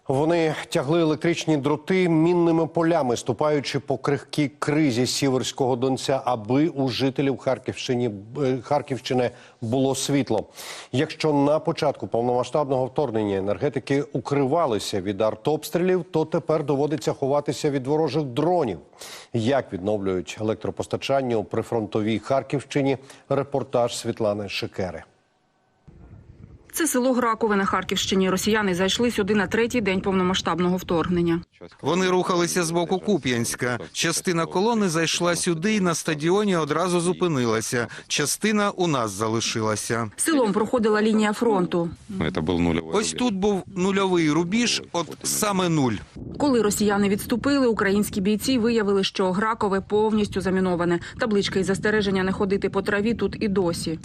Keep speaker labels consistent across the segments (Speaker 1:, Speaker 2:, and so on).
Speaker 1: Вони тягли електричні дроти мінними полями, ступаючи по крихкій кризі Сіверського Донця, аби у жителів Харківщини було світло. Якщо на початку повномасштабного вторгнення енергетики укривалися від артобстрілів, то тепер доводиться ховатися від ворожих дронів. Як відновлюють електропостачання у прифронтовій Харківщині? Репортаж Світлани Шикери.
Speaker 2: Це село Гракове на Харківщині. Росіяни зайшли сюди на третій день повномасштабного вторгнення.
Speaker 3: Вони рухалися з боку Куп'янська. Частина колони зайшла сюди і на стадіоні одразу зупинилася. Частина у нас залишилася.
Speaker 2: Селом проходила лінія фронту.
Speaker 3: Ось тут був нульовий рубіж, от саме нуль.
Speaker 2: Коли росіяни відступили, українські бійці виявили, що Гракове повністю заміноване. Табличка із застереження не ходити по траві тут і досі.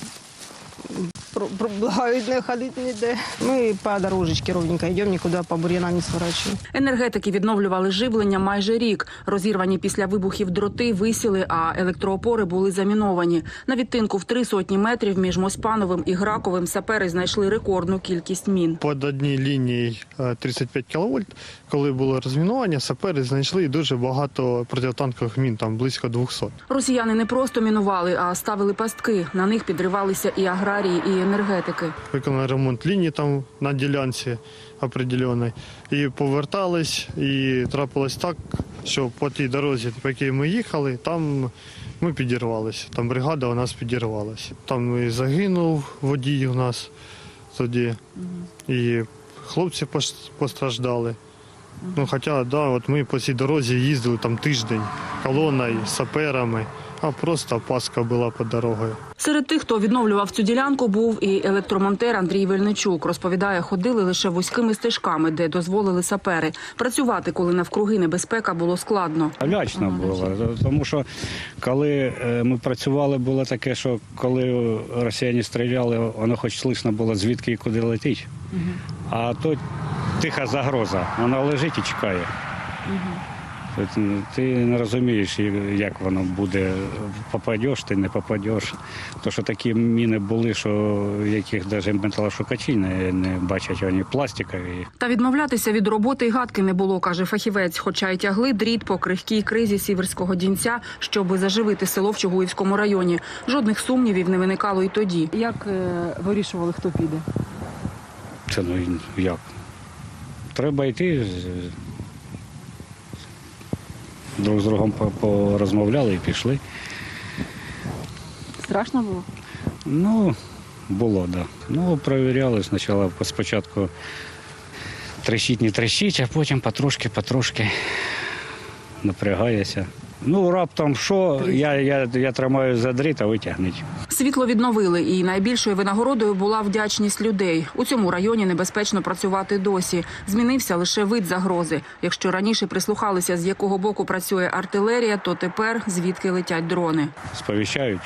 Speaker 4: Благають не ходити ніде. Ми по дорожечці ровненько йдемо, нікуди по бур'янам не сворачуємо.
Speaker 2: Енергетики відновлювали живлення майже рік. Розірвані після вибухів дроти висіли, а електроопори були заміновані. На відтинку в 300 метрів між Моспановим і Граковим сапери знайшли рекордну кількість мін.
Speaker 5: Під одній лінією 35 кВт, коли було розмінування, сапери знайшли дуже багато протитанкових мін, там близько 200.
Speaker 2: Росіяни не просто мінували, а ставили пастки. На них підривалися і аграрії, і енергетики.
Speaker 5: Виконали ремонт лінії там на ділянці определеній. І повертались, і трапилось так, що по тій дорозі, по якій ми їхали, там ми підірвалися. Там бригада у нас підірвалася. Там і загинув водій у нас тоді, і хлопці постраждали. Ну, хоча, да, от ми по цій дорозі їздили там тиждень колоною, саперами, а просто паска була під дорогою.
Speaker 2: Серед тих, хто відновлював цю ділянку, був і електромонтер Андрій Вельничук. Розповідає, ходили лише вузькими стежками, де дозволили сапери. Працювати, коли навкруги небезпека, було складно.
Speaker 6: Лячно було, тому що коли ми працювали, було таке, що коли росіяни стріляли, воно хоч слышно було, звідки і куди летить. А то тиха загроза, вона лежить і чекає. Ти не розумієш, як воно буде, попадеш, ти не попадеш. Тому що такі міни були, що яких навіть металошукачі не бачать, вони пластикові.
Speaker 2: Та відмовлятися від роботи й гадки не було, каже фахівець, хоча й тягли дріт по крихкій кризі Сіверського Донця, щоб заживити село в Чугуївському районі. Жодних сумнівів не виникало і тоді.
Speaker 7: Як вирішували, хто піде?
Speaker 6: Це як? Треба йти. Друг з другом порозмовляли і пішли.
Speaker 7: Страшно було?
Speaker 6: Ну, було, так. Да. Ну, перевіряли спочатку трещить, не трещить, а потім потрошки напрягаєшся. Ну, раптом що, я тримаю за дріт, а ви тягніть.
Speaker 2: Світло відновили, і найбільшою винагородою була вдячність людей. У цьому районі небезпечно працювати досі. Змінився лише вид загрози. Якщо раніше прислухалися, з якого боку працює артилерія, то тепер звідки летять дрони.
Speaker 6: Сповіщають,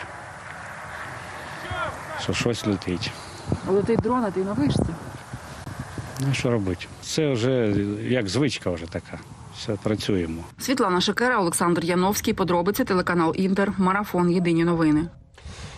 Speaker 6: що щось летить.
Speaker 7: Летить дрон, а ти на вишці?
Speaker 6: Ну, що робити? Це вже як звичка вже така. Все, працюємо.
Speaker 2: Світлана Шикера, Олександр Яновський. Подробиці, телеканал Інтер. Марафон. Єдині новини.